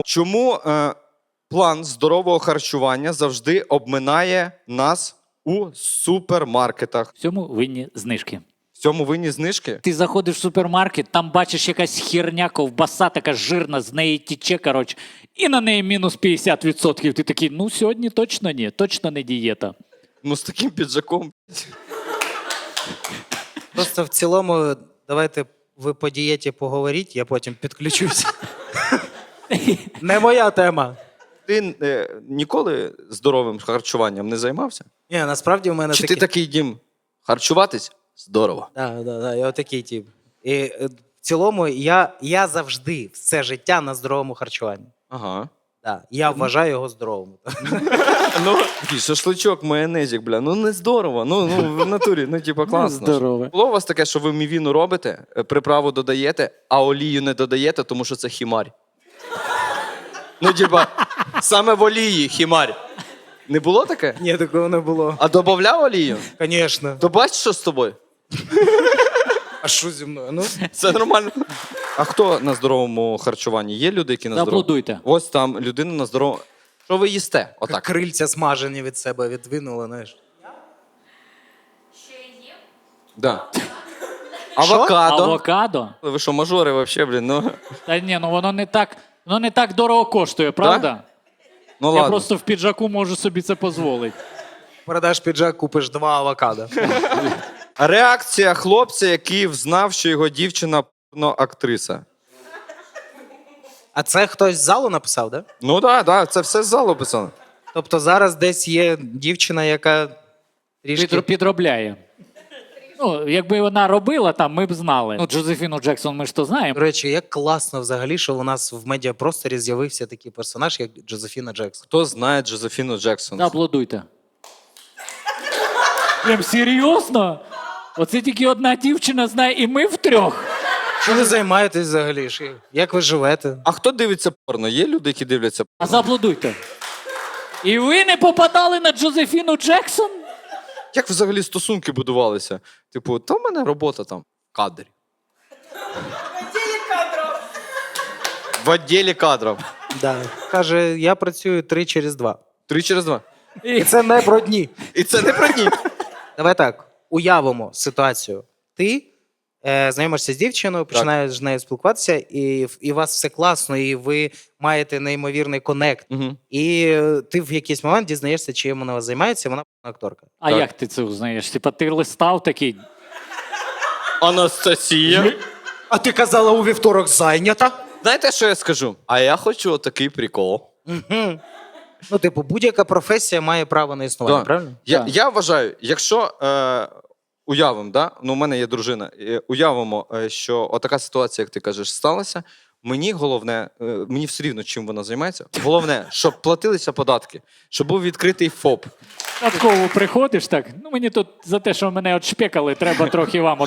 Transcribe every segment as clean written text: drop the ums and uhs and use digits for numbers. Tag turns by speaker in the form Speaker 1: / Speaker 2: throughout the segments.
Speaker 1: Чому план здорового харчування завжди обминає нас у супермаркетах?
Speaker 2: В цьому винні знижки.
Speaker 1: В цьому винні знижки?
Speaker 2: Ти заходиш в супермаркет, там бачиш якась херня, ковбаса така жирна, з неї тіче, коротше, і на неї мінус 50%. Ти такий, ну сьогодні точно ні, точно не дієта.
Speaker 1: Ну з таким піджаком.
Speaker 3: Просто в цілому, давайте ви по дієті поговоріть, я потім підключусь. Не моя тема.
Speaker 1: Ти ніколи здоровим харчуванням не займався?
Speaker 3: Ні, насправді в мене
Speaker 1: Чи
Speaker 3: такі...
Speaker 1: ти такий, Дім, харчуватись? Здорово.
Speaker 3: Так, я отакий тип. І в цілому я завжди все життя на здоровому харчуванні.
Speaker 1: Ага.
Speaker 3: Да, я вважаю його здоровим.
Speaker 1: Ну, такий шашличок, майонезик, бля, ну не здорово, ну в натурі, ну типа класно.
Speaker 2: Здорове.
Speaker 1: Було у вас таке, що ви мівіну робите, приправу додаєте, а олію не додаєте, тому що це хімарь? Ну, типа, саме в олії хімарь. Не було таке?
Speaker 3: Ні, такого не було.
Speaker 1: А додавав олію?
Speaker 3: Звісно.
Speaker 1: То бачиш, що з тобою?
Speaker 3: А що зі мною? Ну,
Speaker 1: Це нормально. А хто на здоровому харчуванні? Є люди, які на здоровому?
Speaker 2: Зааплодуйте.
Speaker 1: Ось там людина на здоровому. Що ви їсте? Отак.
Speaker 3: крильця смажені від себе відвинули, знаєш.
Speaker 1: Да. Авокадо.
Speaker 2: Авокадо?
Speaker 1: Ви що, мажори вообще, блін? Ну,
Speaker 2: Та ні, ну воно не так дорого коштує, правда?
Speaker 1: ну
Speaker 2: Я
Speaker 1: ладно.
Speaker 2: просто в піджаку можу собі це дозволити.
Speaker 3: Продаш піджак, купиш 2 авокадо.
Speaker 1: Реакція хлопця, який взнав, що його дівчина актриса.
Speaker 3: А це хтось з залу написав, так? Да?
Speaker 1: Ну так, да, це все з залу писано.
Speaker 3: Тобто зараз десь є дівчина, яка трішки...
Speaker 2: Підробляє. Ну, якби вона робила там, ми б знали. Ну, Джозефіну Джексон ми ж то
Speaker 3: До
Speaker 2: знаємо.
Speaker 3: речі, як класно взагалі, що у нас в медіапросторі з'явився такий персонаж, як Джозефіна Джексон.
Speaker 1: Хто знає Джозефіну Джексон?
Speaker 2: Зааплодуйте. Прям серйозно? Оце тільки одна дівчина знає, і ми втрьох.
Speaker 3: Що ви займаєтесь взагалі? Як ви живете?
Speaker 1: А хто дивиться порно? Є люди, які дивляться
Speaker 2: А
Speaker 1: порно?
Speaker 2: зааплодуйте. І ви не попадали на Джозефіну Джексон?
Speaker 1: Як взагалі стосунки будувалися? Типу, та в мене робота там в кадрі. В відділі кадрів.
Speaker 3: Да. Каже, я працюю 3 через 2.
Speaker 1: 3 через 2.
Speaker 3: І це не про дні.
Speaker 1: І це не про дні.
Speaker 3: Давай так, уявимо ситуацію. Ти знайомишся з дівчиною, починаєш з нею спілкуватися, і у вас все класно, і ви маєте неймовірний конект.
Speaker 1: Угу.
Speaker 3: І ти в якийсь момент дізнаєшся, чим вона вас займається, вона акторка.
Speaker 2: А
Speaker 1: Так.
Speaker 2: як ти це узнаєш? Типа ти листав такий.
Speaker 1: Анастасія.
Speaker 3: А ти казала, у вівторок зайнята?
Speaker 1: Знаєте, що я скажу? А я хочу отакий прикол.
Speaker 3: Угу. Ну, типу, будь-яка професія має право на існування,
Speaker 1: Да.
Speaker 3: правильно?
Speaker 2: Так.
Speaker 1: Я вважаю, якщо уявимо, да? Ну, у мене є дружина, уявимо, що отака ситуація, як ти кажеш, сталася. Мені головне, мені все рівно, чим вона займається. Головне, щоб платилися податки, щоб був відкритий ФОП.
Speaker 2: Татково приходиш так. Ну мені тут за те, що мене отшпекали, треба трохи вам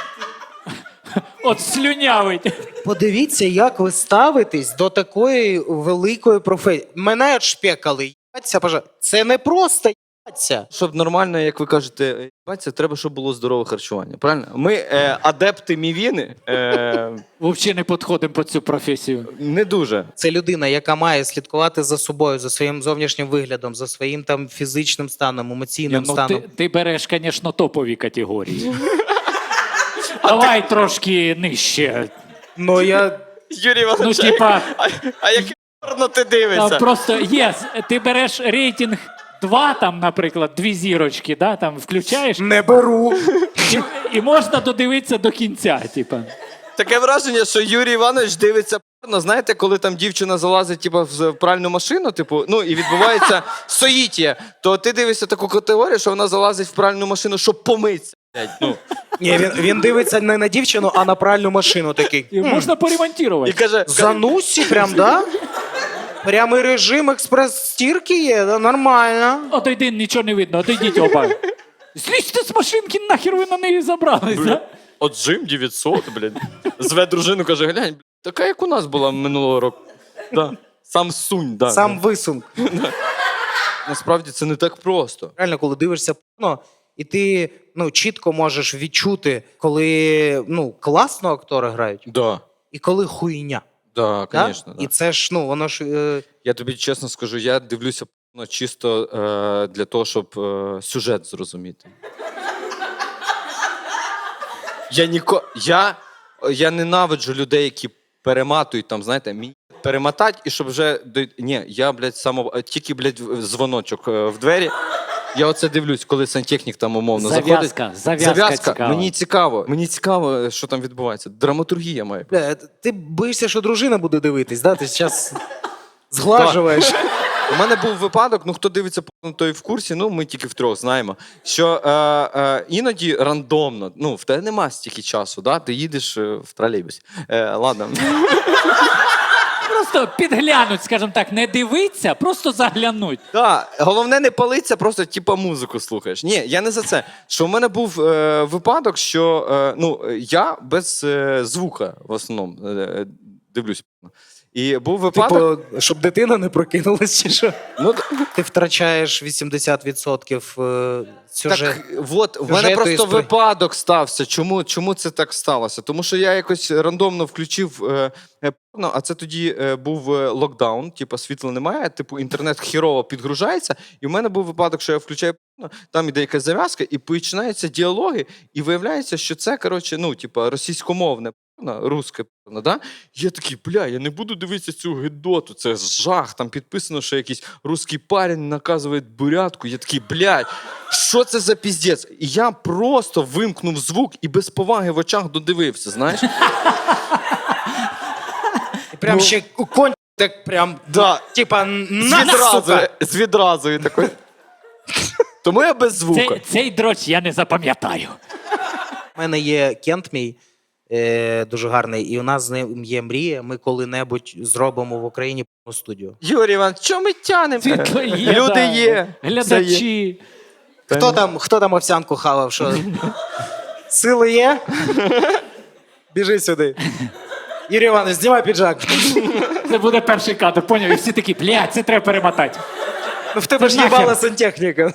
Speaker 2: от слюнявить.
Speaker 3: Подивіться, як ви ставитесь до такої великої професії. Мене шпекали, їбаться, пожалуйста. Це не просто їбаться.
Speaker 1: Щоб нормально, як ви кажете, бачите, треба, щоб було здорове харчування. Правильно? Ми адепти мівіни
Speaker 2: Взагалі не підходимо під цю професію.
Speaker 1: не дуже.
Speaker 3: Це людина, яка має слідкувати за собою, за своїм зовнішнім виглядом, за своїм там фізичним станом, емоційним
Speaker 2: Ну,
Speaker 3: станом.
Speaker 2: ти береш, звісно, топові категорії. Давай трошки нижче.
Speaker 3: Ну я
Speaker 1: Юрій Іванович,
Speaker 2: Ну, типа,
Speaker 1: а яке порно ти
Speaker 2: там
Speaker 1: дивишся?
Speaker 2: просто ти береш рейтинг 2, там, наприклад, 2 зірочки, да, там включаєш,
Speaker 3: не беру.
Speaker 2: і можна додивитися до кінця. Типа.
Speaker 1: Таке враження, що Юрій Іванович дивиться порно. Знаєте, коли там дівчина залазить типу, в пральну машину, типу, ну і відбувається соїтія, то ти дивишся таку категорію, що вона залазить в пральну машину, щоб помитися. блядь, Ну.
Speaker 3: Ні, він дивиться не на дівчину, а на пральну машину такий.
Speaker 2: І можна
Speaker 1: І
Speaker 2: поремонтувати.
Speaker 1: каже,
Speaker 3: Занусі прям, да? Прямий режим експрес-стірки є, да? Нормально.
Speaker 2: Отойди, нічого не видно, отойдіть оба. Злізьте з машинки, нахер ви на неї забрались, да?
Speaker 1: от Джим 900, блін. Зве дружину, каже, глянь, блін, така, як у нас була минулого року. Да. Сам сунь, да.
Speaker 3: Сам висунь.
Speaker 1: Насправді це не так просто.
Speaker 3: Реально, коли дивишся порно, і ти чітко можеш відчути, коли класно актори грають,
Speaker 1: Да.
Speaker 3: і коли хуйня.
Speaker 1: Да,
Speaker 3: Да?
Speaker 1: звісно.
Speaker 3: І це ж, ну, воно ж.
Speaker 1: Я тобі чесно скажу, я дивлюся чисто для того, щоб сюжет зрозуміти. Я ненавиджу людей, які перематують там, знаєте, перемотать, і щоб вже. Ні, я, блядь, тільки, блядь, дзвоночок в двері. Я оце дивлюсь, коли сантехнік там умовно заходить.
Speaker 2: Зав'язка цікава.
Speaker 1: Мені цікаво, що там відбувається. Драматургія має.
Speaker 3: Бля, ти боїшся, що дружина буде дивитись, да? Ти зараз зглажуєш.
Speaker 1: У мене був випадок, ну хто дивиться порно, той в курсі, ну ми тільки втрьох знаємо, що іноді рандомно, ну в тебе нема стільки часу, да? Ти їдеш в тролейбусі. Ладно.
Speaker 2: Просто підглянуть, скажімо так, не дивиться, просто заглянуть.
Speaker 1: Да, головне не палиться, просто типа музику слухаєш. Ні, я не за це. Що в мене був випадок, що я без звука в основному дивлюсь. І був випадок.
Speaker 3: Типу, щоб дитина не прокинулась, чи що?
Speaker 1: Ну,
Speaker 3: Ти втрачаєш 80% сюжету.
Speaker 1: Так, от, в мене просто випадок стався. Чому це так сталося? Тому що я якось рандомно включив порно, а це тоді був локдаун, типу світла немає, типу інтернет хірово підгружається, і в мене був випадок, що я включаю порно, там іде якась зав'язка, і починаються діалоги, і виявляється, що це, коротше, ну, типу, російськомовне порно, русське порно, да? Я такий, бля, я не буду дивитися цю гидоту, це жах, там підписано, що якийсь русський парень наказує бурятку, я такий, блядь, що це за піздець? І я просто вимкнув звук і без поваги в очах додивився, знаєш?
Speaker 3: І прям ще конь так прям,
Speaker 1: Да.
Speaker 3: типа, сука!
Speaker 1: Звідразу і такий. Тому я без звука.
Speaker 2: Цей дроч я не запам'ятаю.
Speaker 3: У мене є кент мій, дуже гарний, і у нас з ним є мрія, ми коли-небудь зробимо в Україні студію.
Speaker 1: Юрій Іванович, що ми тянемо?
Speaker 2: Світло є,
Speaker 1: Люди
Speaker 2: да.
Speaker 1: є. все є.
Speaker 2: Глядачі.
Speaker 3: Хто там овсянку хавав? Що? Сили є? Біжи сюди. Юрій Іванович, знімай піджак.
Speaker 2: Це буде перший кадр, поняв? І всі такі, блядь, це треба перемотати.
Speaker 3: Ну в тебе ж
Speaker 2: нахер.
Speaker 3: їбала сантехніка.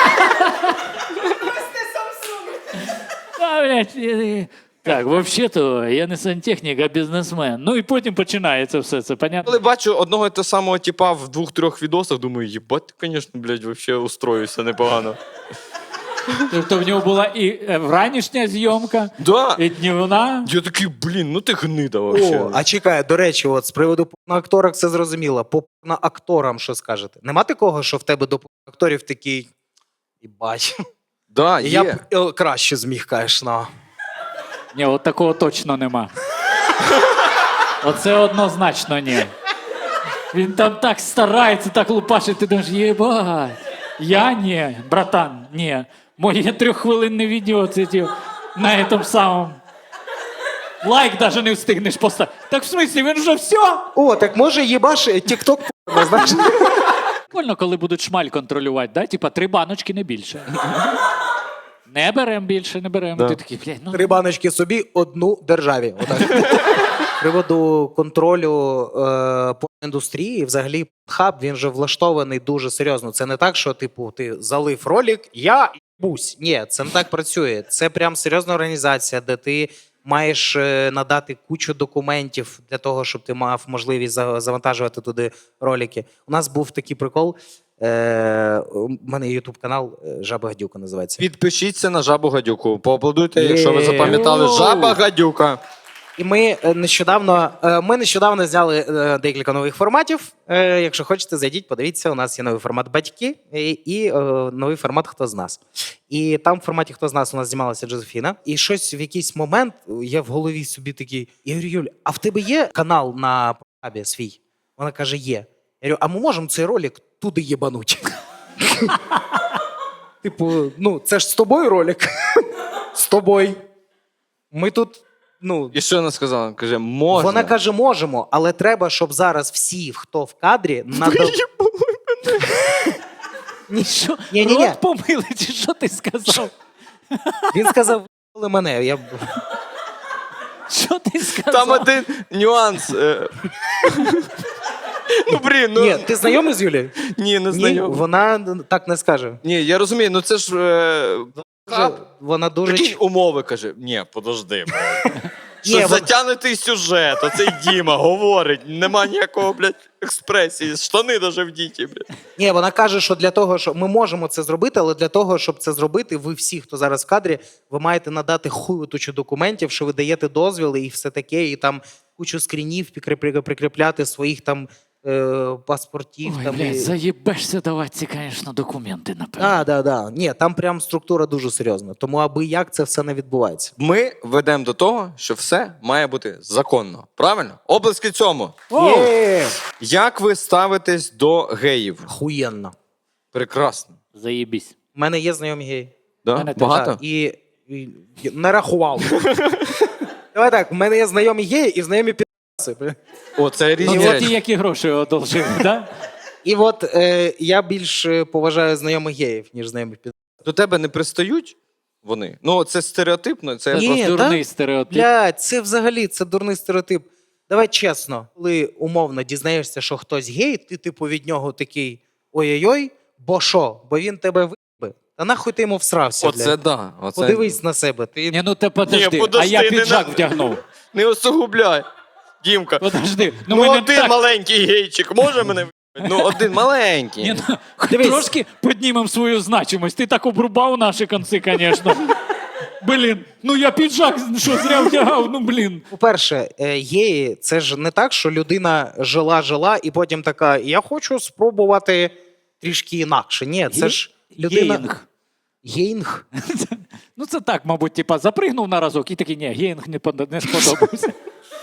Speaker 2: А, блядь, так, взагалі-то я не сантехнік, а бізнесмен. Ну і потім починається все це, понятно?
Speaker 1: Коли бачу одного і того самого типа в 2-3 відосах, думаю, їбать, ти, звісно, блядь, вообще устроюся непогано.
Speaker 2: Тобто в нього була і вранішня зйомка,
Speaker 1: Да.
Speaker 2: і днівна.
Speaker 1: Я такий, блін, ну ти гнида вообще.
Speaker 3: О, а чекай, до речі, от з приводу порноакторок все зрозуміло. По порноакторам що скажете? Нема такого, що в тебе до порноакторів такий, їбать.
Speaker 1: Да,
Speaker 3: Я
Speaker 1: є.
Speaker 3: б краще зміг, конечно.
Speaker 2: Ні, от такого точно нема. Оце однозначно ні. Він там так старається, так лупашить, ти думаєш, єбать. Я ні, братан, ні. Моє 3-хвилинне відео це на цьому самому. Лайк навіть не встигнеш поставити. Так в смислі, він вже все?
Speaker 3: О, так може їбаш тік-ток порно, знаєш?
Speaker 2: Прикольно, коли будуть шмаль контролювати, да? Типа 3 баночки, не більше. Не беремо більше, не беремо.
Speaker 1: Да.
Speaker 2: Ти такий, блядь, ну...
Speaker 3: 3 баночки собі, 1 державі. Отак. З приводу контролю індустрії, взагалі, хаб, він же влаштований дуже серйозно. Це не так, що, типу, ти залив ролик, я їбусь. Ні, це не так працює. Це прям серйозна організація, де ти маєш надати кучу документів для того, щоб ти мав можливість завантажувати туди ролики. У нас був такий прикол. У мене є ютуб-канал Жаба Гадюка називається.
Speaker 1: Підпишіться на Жабу Гадюку. Поаплодуйте, якщо ви запам'ятали. Жаба Гадюка.
Speaker 3: І ми нещодавно зняли декілька нових форматів. Якщо хочете, зайдіть, подивіться. У нас є новий формат «Батьки» і новий формат «Хто з нас?». І там в форматі «Хто з нас» у нас знімалася Джозефіна. І щось в якийсь момент я в голові собі такий, я говорю, Юль, а в тебе є канал на Порнхабі свій? Вона каже, є. Я говорю, а ми можемо цей ролик туди єбануть? Типу, ну, це ж з тобою ролик? З тобою. Ми тут... Ну,
Speaker 1: І що вона сказала? Каже, можна.
Speaker 3: вона каже, можемо, але треба, щоб зараз всі, хто в кадрі,
Speaker 2: Що?
Speaker 3: Ні-ні-ні.
Speaker 2: Рот помили, чи що ти сказав?
Speaker 3: Він сказав, «Ви мене. Я...
Speaker 2: Що ти сказав?
Speaker 1: Там один нюанс. Ну, блін, ну...
Speaker 3: Ні, ти знайомий з Юлією?
Speaker 1: Ні, не
Speaker 3: Ні,
Speaker 1: знайомий.
Speaker 3: вона так не скаже.
Speaker 1: Ні, я розумію, ну це ж... хаб.
Speaker 3: Вона дуже...
Speaker 1: Прикинь, умови, каже. Ні, подожди. Що
Speaker 3: Ні,
Speaker 1: затягнутий сюжет, оцей Діма говорить, нема ніякого, блядь, експресії, штани даже вдіті, блядь.
Speaker 3: Ні, вона каже, що для того, що ми можемо це зробити, але для того, щоб це зробити, ви всі, хто зараз в кадрі, ви маєте надати хуютучу документів, що ви даєте дозвіли і все таке, і там кучу скрінів прикріпляти своїх там паспортів.
Speaker 2: Ой,
Speaker 3: там,
Speaker 2: блядь,
Speaker 3: і...
Speaker 2: заєбешся давати ці, звісно, документи, напевно.
Speaker 3: Да. Ні, там прям структура дуже серйозна. Тому аби як це все не відбувається.
Speaker 1: Ми ведемо до того, що все має бути законно. Правильно? Облески цьому.
Speaker 3: Є!
Speaker 1: Як ви ставитесь до геїв?
Speaker 3: Хуєнно.
Speaker 1: Прекрасно.
Speaker 2: Заєбісь.
Speaker 3: У мене є знайомі геї.
Speaker 1: Да?
Speaker 2: Мене теж.
Speaker 1: Багато?
Speaker 3: Так, і не рахував. Давай так, у мене є знайомі геї і знайомі підаси.
Speaker 1: О, це різні
Speaker 2: Ну, це
Speaker 1: речі.
Speaker 2: ті, які гроші одолжили, да?
Speaker 3: І от я більш поважаю знайомих геїв, ніж знайомих підасів.
Speaker 1: До тебе не пристають вони? Ну, це стереотипно, це
Speaker 3: Ні,
Speaker 2: Просто
Speaker 3: та?
Speaker 2: дурний стереотип.
Speaker 3: Блядь, це взагалі це дурний стереотип. Давай чесно, коли умовно дізнаєшся, що хтось гей, ти типу від нього такий ой-ой-ой, бо що? Бо він тебе вибе. Та нахуй ти йому всрався,
Speaker 1: Оце
Speaker 3: блядь.
Speaker 1: да. Оце...
Speaker 3: Подивись на себе. Ти...
Speaker 2: Ні, ну ти подожди,
Speaker 1: Ні, подожди,
Speaker 2: а я
Speaker 1: не
Speaker 2: піджак
Speaker 1: на-
Speaker 2: вдягнув.
Speaker 1: Не осугубляй, Дімка.
Speaker 2: Подожди,
Speaker 1: Ну,
Speaker 2: мене
Speaker 1: один
Speaker 2: так...
Speaker 1: маленький гейчик може мене вибити? Ну, один маленький.
Speaker 2: Ні, ну, хоч
Speaker 3: Дивись.
Speaker 2: трошки піднімемо свою значимость. Ти так обрубав наші конці, звісно. Блін, ну я піджак, що зря вдягав, ну блін.
Speaker 3: По-перше, геї, це ж не так, що людина жила і потім така, я хочу спробувати трішки інакше. Ні, це ж людина...
Speaker 2: Геїнг.
Speaker 3: Гейнг?
Speaker 2: Ну це так, мабуть, типа запригнув на разок і такий, ні, геїнг не сподобався.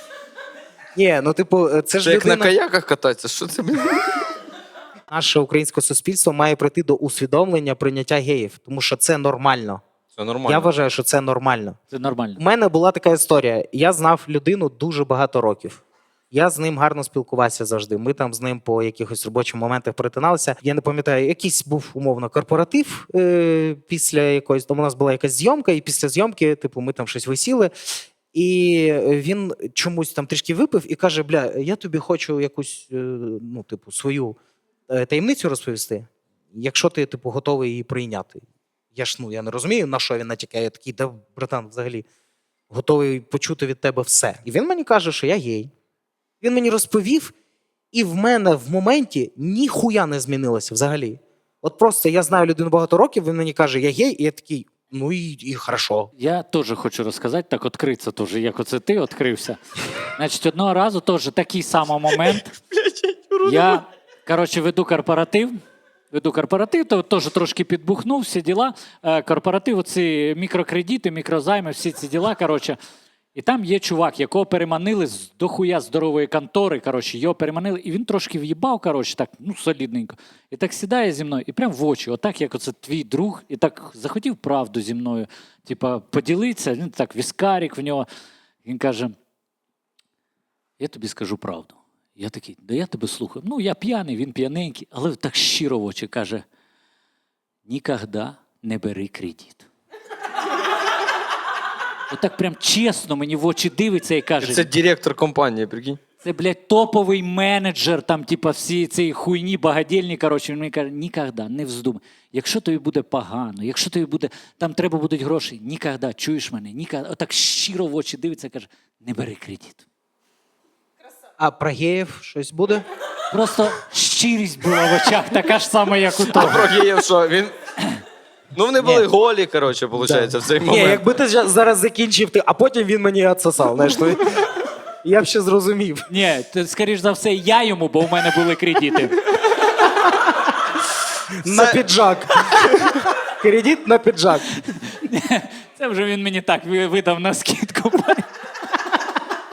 Speaker 3: Ні, ну типу, це
Speaker 1: Це
Speaker 3: ж
Speaker 1: як на
Speaker 3: людина...
Speaker 1: каяках кататися, що це, блін?
Speaker 3: Наше українське суспільство має прийти до усвідомлення прийняття геїв, тому що це нормально.
Speaker 1: Це нормально.
Speaker 3: Я вважаю, що це нормально.
Speaker 2: Це нормально.
Speaker 3: У мене була така історія. Я знав людину дуже багато років. Я з ним гарно спілкувався завжди. Ми там з ним по якихось робочих моментах перетиналися. Я не пам'ятаю, якийсь був умовно корпоратив після якоїсь. Там у нас була якась зйомка, і після зйомки, типу, ми там щось висіли. І він чомусь там трішки випив і каже: бля, я тобі хочу якусь, ну, типу, свою таємницю розповісти, якщо ти, типу, готовий її прийняти. Я не розумію, на що він натякає. Я такий, да, братан, взагалі, готовий почути від тебе все. І він мені каже, що я гей. Він мені розповів, і в мене в моменті ніхуя не змінилося взагалі. От просто я знаю людину багато років, він мені каже, я гей, і я такий, ну і хорошо.
Speaker 2: Я теж хочу розказати, так відкритися теж, як оце ти відкрився. Значить, одного разу теж такий самий момент. Я, коротше, веду корпоратив, то теж трошки підбухнув, всі діла. Корпоратив, оці мікрокредити, мікрозайми, всі ці діла, коротше. І там є чувак, якого переманили з дохуя здорової контори, коротше, його переманили, і він трошки в'їбав, коротше, так, ну, солідненько. І так сідає зі мною, і прям в очі, отак, як оце твій друг, і так захотів правду зі мною, типа, поділитися, він так, віскарик в нього. Він каже, я тобі скажу правду. Я такий, да я тебе слухаю. Ну, я п'яний, він п'яненький, але так щиро в очі каже, нікогда не бери кредит. Отак прям чесно мені в очі дивиться і каже,
Speaker 1: Це директор компанії, прикинь.
Speaker 2: це, блядь, топовий менеджер, там, типа, всі цієї хуйні, багадільні, коротше, він мені каже, нікогда, не вздумай. Якщо тобі буде погано, якщо тобі буде, там треба будуть гроші, нікогда, чуєш мене, нікогда. Отак щиро в очі дивиться і каже, не бери кредит.
Speaker 3: А про геїв щось буде?
Speaker 2: Просто щирість була в очах, така ж сама, як у
Speaker 1: А
Speaker 2: того.
Speaker 1: про геїв що? Він... Ну, вони були
Speaker 3: Ні.
Speaker 1: голі, коротше, виходить, в цей
Speaker 3: Ні,
Speaker 1: момент.
Speaker 3: якби ти зараз закінчив, а потім він мені відсосав, знаєш, то я б ще зрозумів.
Speaker 2: Ні, то, скоріш за все, я йому, бо у мене були кредити.
Speaker 3: На піджак. Кредит на піджак.
Speaker 2: Це вже він мені так видав на скидку.